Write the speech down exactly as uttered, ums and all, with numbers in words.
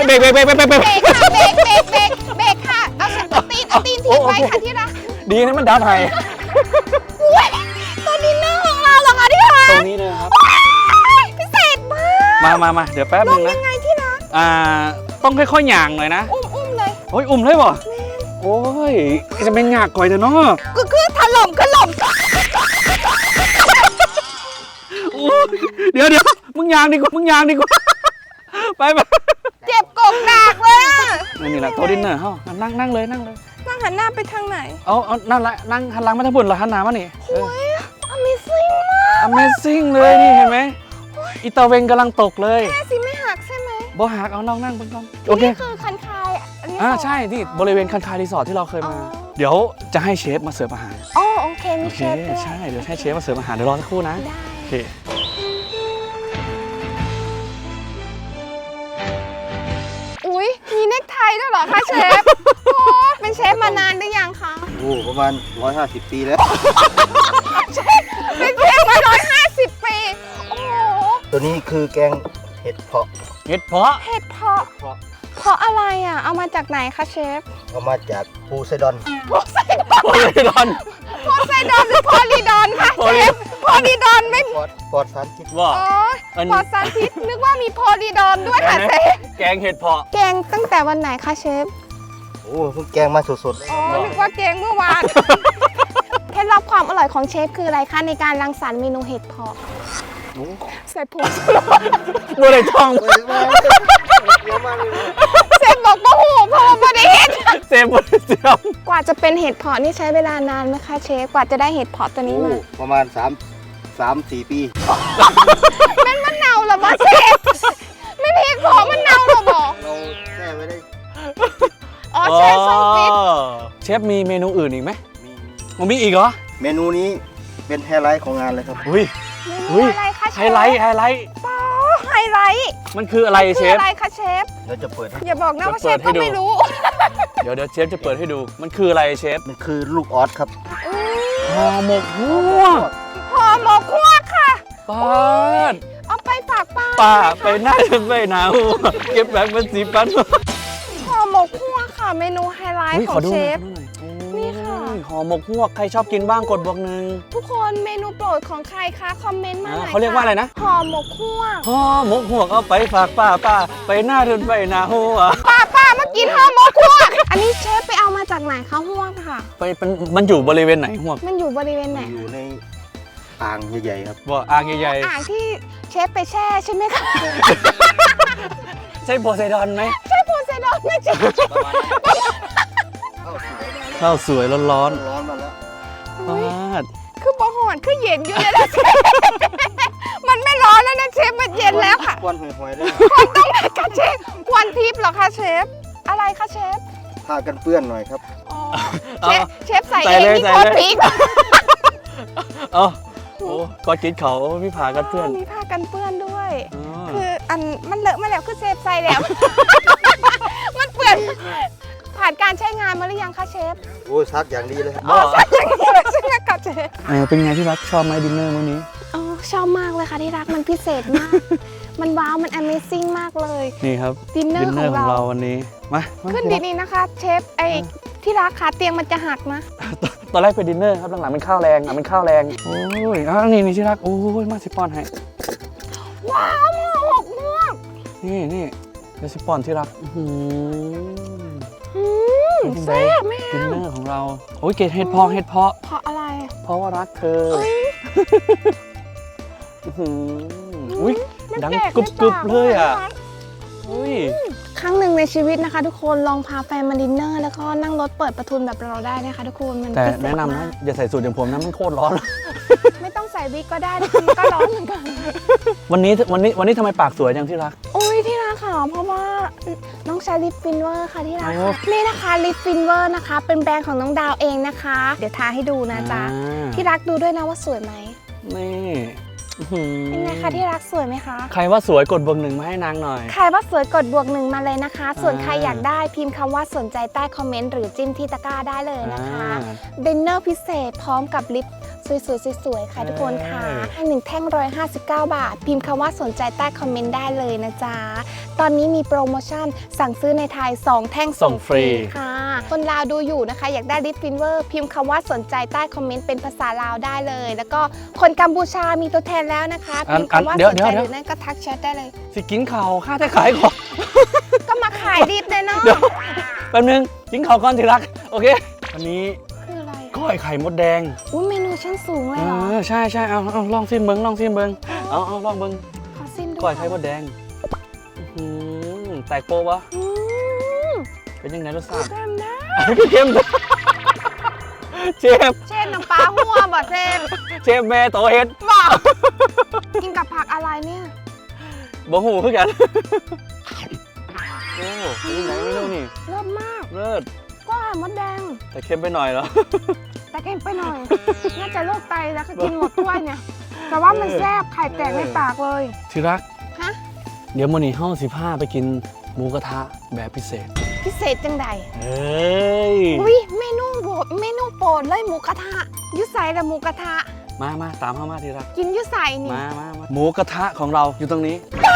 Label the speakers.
Speaker 1: เบรกเบรกเบรกเบรกเบรก
Speaker 2: เบรกค่ะเบรกเบรกเบรกเบรกค่ะเอาเอาตีนเอาตีนถีบไว้ค่ะที่รัก
Speaker 1: ดีนะมันดับไฮ
Speaker 2: อุ้ยตัวดินเนอร์ของเราเหรอคะที่รัก
Speaker 1: ตรงนี้เลยครับ
Speaker 2: พิเศษมาก
Speaker 1: มามามาเดี๋ยวแป๊บ
Speaker 2: ล
Speaker 1: นึ
Speaker 2: ง
Speaker 1: งนะ
Speaker 2: ยังไงที่รัก
Speaker 1: อ่าต้องค่อยๆหย่างหน่อยนะ
Speaker 2: อุ้มอุ้มเลย
Speaker 1: โอ้ยอุ่มเลยบ่โอ้ยจะเป็นหยากก่อยเถอะเนาะ
Speaker 2: ก็คือถล่มก็หล่ม
Speaker 1: โอ้ยเดี๋ยวเดี๋ยวมึงหยางดีกว่ามึงหยางดีกว่าไปไป
Speaker 2: เจ็บกบหนักเลยอะ
Speaker 1: นี่แหละโต๊ะดินเนอร์เฮ้านั่งนั่งเลยนั่งเลย
Speaker 2: นั่งหันหน้าไปทางไหน
Speaker 1: เอาเอานั่นละนั่งหันหลังมาทางบนเหรอหันหน้ามานี่
Speaker 2: โอ้ย Amazing มาก
Speaker 1: Amazing เลยนี่เห็นไหมอีตาเวงกำลังตกเลย
Speaker 2: แค่สิไม่หักใช่ไหม
Speaker 1: บ่หักเอาน้องนั่งบนกองโอเค
Speaker 2: นี่คือคันคายอันนี้
Speaker 1: อ่า
Speaker 2: สง
Speaker 1: ใช่ที่บริเวณคันคายรีสอร์ทที่เราเคยมา
Speaker 2: อ๋อ
Speaker 1: เดี๋ยวจะให้เชฟมาเสิร์ฟอาหาร
Speaker 2: อ๋อโอเคมี
Speaker 1: โอเค
Speaker 2: เชฟด้วย
Speaker 1: ใช่เดี๋ยวให้เชฟมาเสิร์ฟอาหารเดี๋ยวรอสักครู่นะ
Speaker 2: ได้
Speaker 1: โอเค
Speaker 2: อุ้ยมีเนคไทด้วยเหรอคะเชฟโอ้เป็นเชฟมานานหรือยังคะ
Speaker 3: โอ้ประมาณร้อยห้าสิบปีแล้ว
Speaker 2: เป็นเชฟมาร้อยห้าสิบปีโอ้โห
Speaker 3: ตัวนี้คือแกงเห็ดเผาะ
Speaker 1: เห็ดเพาะ
Speaker 2: เห็ดเพาะเพาะอะไรอ่ะเอามาจากไหนคะเชฟ
Speaker 3: เอามาจากปูไซดอน
Speaker 2: โพไซดอน
Speaker 1: โพลิดอน
Speaker 2: โพไซดอนหรือโพลีดอนคะเชฟโพลีดอนไม่
Speaker 3: ปลอดปลอดสารพิษ
Speaker 1: ว่า
Speaker 2: อ๋อ
Speaker 1: อัน
Speaker 2: ปอดสารพิษนึกว่ามีโพลีดอนด้วยค่ะเชฟ
Speaker 1: แกงเห็ดเพาะ
Speaker 2: แกงตั้งแต่วันไหนคะเชฟ
Speaker 3: โอ้เพิ่งแกงมาสดๆเลย
Speaker 2: อ๋อ นึกว่าแกงเมื่อวาน เคล็ดลับความอร่อยของเชฟคืออะไรคะในการรังสรรค์เมนูเห็ดเพาะใส่ผงชูรส
Speaker 1: บัวไหลทอง
Speaker 3: เฮ้ยมาเดี๋ยวมาเลย
Speaker 2: เชฟบอกว่าโอ้โหเพราะว่าไม่ได้เห็ด
Speaker 1: เซฟบัวเสียม
Speaker 2: กว่าจะเป็นเห็ดเพาะนี่ใช้เวลานานไหมคะเชฟ กว่าจะได้เห็ดเพาะตัวนี้
Speaker 3: โอ้
Speaker 2: มา
Speaker 3: ประมาณสามสามสี่ปี
Speaker 2: มันมะนาวเหรอบอเชฟไม่เห็ดเพาะมะนาวเหรอบอ
Speaker 3: เราแช่ไว้ได้
Speaker 2: อ๋อเชฟช่องฟิต
Speaker 1: เชฟมีเมนูอื่นอีกไหม
Speaker 3: มี
Speaker 1: มันมีอีกเหรอ
Speaker 3: เมนูนี้เป็นไฮไลท์ของงานเลยครับ
Speaker 1: อุ้ย
Speaker 2: เม
Speaker 1: เฮ้
Speaker 2: นู
Speaker 1: ย
Speaker 2: อะไรคะเชฟ
Speaker 1: ไฮไลท์ไฮไลท์
Speaker 2: อ๋อไฮไลท์
Speaker 1: มันคืออะไรเช
Speaker 2: คือ
Speaker 1: ฟ
Speaker 2: อะไรคะเชฟ
Speaker 3: เราจะเปิดให้
Speaker 2: อย่าบอกนะว่า
Speaker 1: เดี๋
Speaker 2: เช
Speaker 1: ยวเปิ
Speaker 2: ฟ
Speaker 1: ดให้ดู
Speaker 2: ก็ไม่รู้
Speaker 1: เดี๋ยวเดี๋ยวเชฟจะเปิดให้ดู มันคืออะไรเชฟ
Speaker 3: มันคือลูกออสครับ
Speaker 1: ห่อหมกฮวก
Speaker 2: ห่อหมกคั่วค่ะ
Speaker 1: ป้าด
Speaker 2: เอาไปฝากป้า
Speaker 1: ป้าไปหน้าไปหนาวเก็บแบงค์เป็นสีปัน
Speaker 2: ห่อหมกคั่วค่ะ เมนูไฮไลท์
Speaker 1: ฮ้ย
Speaker 2: ข
Speaker 1: ข
Speaker 2: อ
Speaker 1: อง ดู
Speaker 2: เช
Speaker 1: หน่อย
Speaker 2: ฟ
Speaker 1: ขอดูหน่อย
Speaker 2: นี่ค่ะ
Speaker 1: โอ้ยห่อหมกฮวกใครชอบกินบ้างกดบวกหนึ่ง
Speaker 2: ทุกคนเมนูโปรดของใครคะ คอมเมนต์มาหน่อย
Speaker 1: อ่าเขาเรียกว่าอะไรนะ
Speaker 2: ห่อหมกคั่ว
Speaker 1: ห่อหมกฮวกเอาไปฝากป้าป้าไปหน้าเดินไปหนาหัว
Speaker 2: ป้าป้ามากินห่อหมกคั่ว อันนี้เชฟไปเอามาจากไหนคะห่วงค่ะ
Speaker 1: ไปเป็นมันอยู่บริเวณไหนฮวก
Speaker 2: มันอยู่บริเวณไหน
Speaker 3: อยู่ในอ่างใหญ่ๆครับ
Speaker 1: บ่อ่างใหญ่
Speaker 2: อ่างที่เชฟไปแช่ใช่ไหมคะ
Speaker 1: ๆใช่โพไซดอนไหม
Speaker 2: ใช่โพไซดอนไม่ใช่
Speaker 3: เข้าสวย
Speaker 1: ข้าวสวยร้อน
Speaker 3: ร้อนมาแล้ว
Speaker 1: ๆป้าด
Speaker 2: คือบะหอนคือเย็นอยู่เลยนะเชฟ มันไม่ร้อนแล้วนะเชฟมันเย็นแล้วค่ะ
Speaker 3: ควันหอยๆเลย
Speaker 2: ควรต้องไหนคะเชฟควันทิพย์เหรอคะเชฟ อะไรคะเชฟ
Speaker 3: ผ้ากันเปื้อนหน่อยครับ
Speaker 2: อ๋อเชฟเชฟใส่เองนี่โคตรพริก
Speaker 1: เอ้าโอ้กอดกินเขาพี่ผากันเพื่อน
Speaker 2: มีผ้ากันเปื้อนด้วย
Speaker 1: อ๋อ
Speaker 2: คืออันมันเลอะมาแล้วคือเชฟใส่แล้ว มันเปื้อนผ่านการใช้งานมาหรือยังคะเชฟ
Speaker 3: โอ้ยซักอย่างดีเลยครับ
Speaker 2: อ๋อใช่อย่างนี้เลยใช่ไหมคะเชฟ
Speaker 1: เออเป็นไงที่รักชอบไหมดินเนอร์มื้อนี้
Speaker 2: อ๋อชอบมากเลยค่ะที่รักมันพิเศษมาก มันว้าวมัน Amazing มากเลย
Speaker 1: นี่ครับ
Speaker 2: ดินเนอ
Speaker 1: ดิ
Speaker 2: ร์
Speaker 1: น
Speaker 2: ข
Speaker 1: เน
Speaker 2: อ
Speaker 1: อร์
Speaker 2: ง
Speaker 1: ของ
Speaker 2: เรา
Speaker 1: เราวันนี้มามา
Speaker 2: ขึ้น
Speaker 1: ที่รัก
Speaker 2: ดีๆนะคะเชฟไอที่รักขาเตียงมันจะหักนะ
Speaker 1: ตอนแรกเป็นดินเนอร์ครับหลังๆเป็นข้าวแรงอ่ะเป็นข้าวแรงโอ้ยอ่ะนี่นี่ที่รักโอ้ยมาสิปอนให้
Speaker 2: ว้าวหมวกหมวก
Speaker 1: นี่นี่เดี๋ยวสิปอนที่รักอื้อหือ
Speaker 2: อืม
Speaker 1: เป็นไง
Speaker 2: แซ่บแม่
Speaker 1: ดินเนอร์ของเราโอ้ยเกดเห็ดเพาะเห็ดเพาะ
Speaker 2: เพราะอะไร
Speaker 1: เพราะว่ารักเธอ
Speaker 2: เอ้ย
Speaker 1: อื้อหืออุ้ย
Speaker 2: มัน
Speaker 1: ดัง
Speaker 2: แปล
Speaker 1: กรุบกรุบ
Speaker 2: ในปา
Speaker 1: เลยอ่ะ
Speaker 2: น
Speaker 1: อุ้ย
Speaker 2: ครั้งหนึ่งในชีวิตนะคะ ทุกคนลองพาแฟนมาดินเนอร์แล้วก็นั่งรถเปิดประทุนแบบเราได้นะคะทุกคนมัน
Speaker 1: แต่
Speaker 2: พิเศษ
Speaker 1: แนะนำ
Speaker 2: มา
Speaker 1: นะ
Speaker 2: ก
Speaker 1: อย่าใส่สูทอย่างผมนะมันโคตรร้อน
Speaker 2: ไม่ต้องใส่วิกก็ได้นะคะมันก็ร้อนเหมือนกัน
Speaker 1: วันนี้วันนี้วันนี้ทำไมปากสวยจังที่รัก
Speaker 2: โอ้ยที่รักค่ะเพราะว่าน้องใช้ลิปฟินเวอร์ค่ะที่รัก
Speaker 1: โอ้
Speaker 2: ค่ะนี่นะคะลิปฟินเวอร์นะคะ เป็นแบรนด์ของน้องดาวเองนะคะ เดี๋ยวทาให้ดูนะจ๊ะ
Speaker 1: อ่า
Speaker 2: ที่รักดูด้วยนะว่าสวยไหม
Speaker 1: นี่อื้อหือ
Speaker 2: เป็นไงคะที่รักสวยไหมคะ
Speaker 1: ใครว่าสวยกดบวกหนึ่งมาให้นางหน่อย
Speaker 2: ใครว่าสวยกดบวกหนึ่งมาเลยนะคะ ส่วน
Speaker 1: อ่า
Speaker 2: ใครอยากได้พิมพ์คำว่าสนใจใต้คอมเมนต์หรือจิ้มที่ตะกร้าได้เลยนะคะ
Speaker 1: อ่า
Speaker 2: ดินเนอร์พิเศษพร้อมกับลิปสวยๆสวยๆค่ะทุกคนค่ะ
Speaker 1: เอ้ย
Speaker 2: ให้หนึ่งแท่งร้อยห้าสิบเก้าบาท พิมพ์คำว่าสนใจใต้คอมเมนต์ได้เลยนะจ๊ะ ตอนนี้มีโปรโมชั่นสั่งซื้อในไทย สอง แท่งส่งฟรีค่ะ คนลาวดูอยู่นะคะ อยากได้ลิปฟินเวอร์พิมพ์คำว่าสนใจใต้คอมเมนต์เป็นภาษาลาวได้เลย แล้วก็คนกัมพูชามีตัวแทนแล้วนะคะ พิมพ์คำว่าสนใจหรือนั่นก็ทักแชทได้เลย
Speaker 1: สิกินข่าวค่าแต่ขายของ
Speaker 2: ก็มาขายลิปเลยเนาะ
Speaker 1: เดี๋ยวแป๊บนึงกินข่าวก่อนทีรักโอเคอันนี้
Speaker 2: คืออะไร
Speaker 1: ก้อยไข่มดแดง
Speaker 2: อุ้ยเมนูชั้นสูงเล
Speaker 1: เอย
Speaker 2: เหรอ
Speaker 1: อใช่ใช่เอาเอาลองซิมเบิงลองซิมเบิงเอาเอาลองเบิง
Speaker 2: ขอซิมดู
Speaker 1: ก้อยไข่มดแดงอื้อหือแตกโปะวะ
Speaker 2: อืม
Speaker 1: เป็นยังไงรสชาติ
Speaker 2: เต็มนะ
Speaker 1: เค็มเชฟ
Speaker 2: เช่นน้ำปลาหัวบ่เซม
Speaker 1: เชฟแม่โตเฮ็ด
Speaker 2: บอกกินกับผักอะไรเนี่ย
Speaker 1: บ่หูคือกันโอ้เป็นยังไงไม่รู้นี่
Speaker 2: เลิศมาก
Speaker 1: เลิศ
Speaker 2: ก็มดแดง
Speaker 1: แต่เค็มไปหน่อยเหรอ
Speaker 2: แต่เค็มไปหน่อย น่าจะโรคไตแล้วก็กินหมดถ้วยเนี่ย แต่ว่ามันแซ่บไข่แตกในปากเลย
Speaker 1: ที่รัก
Speaker 2: ฮะ
Speaker 1: เดี๋ยวมื้อนี้เฮาสิพาไปกินหมูกระทะแบบพิเศษ
Speaker 2: พิเศษจังใด
Speaker 1: เอ้ย
Speaker 2: อุ้ยเมนูโปรดเมนูโปรดเลยหมูกระทะยุใส่ละหมูกระทะ
Speaker 1: มามาตามเข้ามาที่รัก
Speaker 2: กินยุใส่นี่
Speaker 1: มามามาหมูกระทะของเราอยู่ตรงนี้